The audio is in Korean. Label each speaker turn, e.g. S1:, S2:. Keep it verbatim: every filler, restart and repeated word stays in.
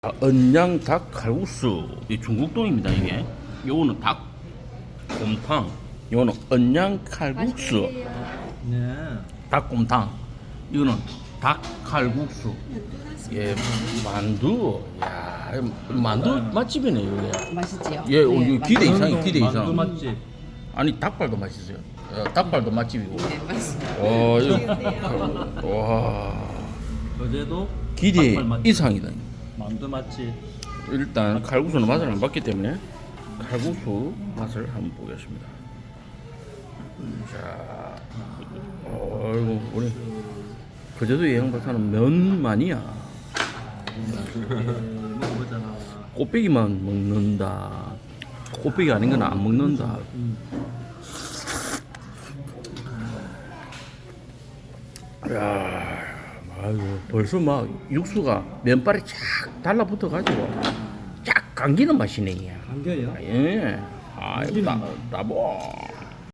S1: 아, 언양 닭 칼국수 이 중국동입니다. 이게 요거는 닭 곰탕, 요거는 언양 칼국수
S2: 네.
S1: 닭곰탕, 이거는 닭 칼국수. 예, 만두. 야, 만두 맛집이네 이게.
S3: 맛있지요?
S1: 예, 어, 이거 기대 이상이 기대
S2: 만두
S1: 이상.
S2: 맛집.
S1: 아니 닭발도 맛있어요. 어, 닭발도 맛집이고.
S3: 네, 맛있어요.
S1: 와, 이거 와
S2: 어제도
S1: 기대
S2: 닭발 맛집.
S1: 이상이다.
S2: 만두 맛집.
S1: 일단 칼국수는 맛을 안 봤기 때문에 칼국수 맛을 한번 보겠습니다. 자, 어이구 우리 그제도 예양박사는 면만이야.
S2: 먹어보자.
S1: 꽃배기만 먹는다. 꽃배기 아닌 건 안 먹는다. 야, 아이고 벌써 막 육수가 면발에 착 달라붙어 가지고 쫙 감기는 맛이네.
S2: 감겨요?
S1: 예. 아, 이거 나, 나보.